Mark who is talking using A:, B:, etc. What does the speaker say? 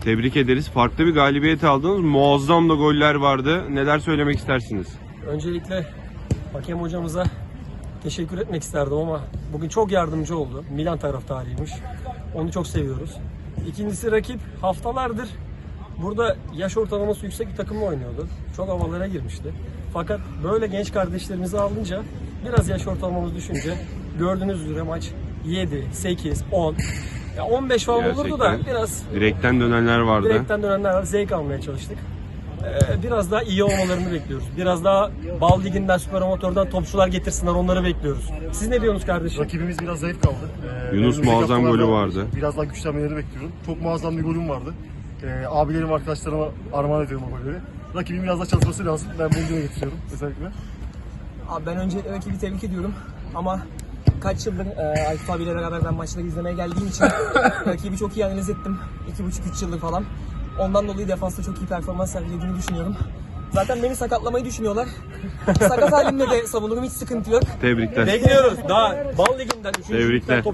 A: Tebrik ederiz. Farklı bir galibiyet aldınız. Muazzam da goller vardı. Neler söylemek istersiniz?
B: Öncelikle hakem hocamıza teşekkür etmek isterdim ama bugün çok yardımcı oldu. Milan taraftarıymış. Onu çok seviyoruz. İkincisi rakip haftalardır burada yaş ortalaması yüksek bir takımla oynuyordu. Çok havalara girmişti. Fakat böyle genç kardeşlerimizi alınca biraz yaş ortalamamız düşünce gördüğünüz üzere maç 7, 8, 10 ya 15 falan olurdu da
A: Gerçekten.
B: biraz
A: Direkten dönenler vardı.
B: direkten dönenler var. Zevk almaya çalıştık. Biraz daha iyi olmalarını bekliyoruz. Biraz daha Bal Ligi'nden, Süper Amatör'den topçular getirsinler, onları bekliyoruz. Siz ne diyorsunuz kardeşim?
C: Rakibimiz biraz zayıf kaldı.
A: Yunus
C: önümüzdeki
A: muazzam
C: haftalarda
A: golü vardı.
C: Biraz daha güçlenmeleri bekliyorum. Çok muazzam bir golüm vardı. Abilerim, arkadaşlarıma armağan ediyorum o golleri. Rakibin biraz daha çalışması lazım. Ben bunu dile getiriyorum özellikle.
D: Abi ben önce rakibi tebrik ediyorum ama kaç yıldır Aykut abiyle beraber ben maçları izlemeye geldiğim için rakibi çok iyi analiz ettim. 2,5-3 yıldır falan. Ondan dolayı defansta çok iyi performans sergilediğini düşünüyorum. Zaten beni sakatlamayı düşünüyorlar. Sakat halimle de savunurum, hiç sıkıntı yok.
A: Tebrikler.
B: Bekliyoruz. Daha Bal Ligi'nden, 3.
A: Tebrikler.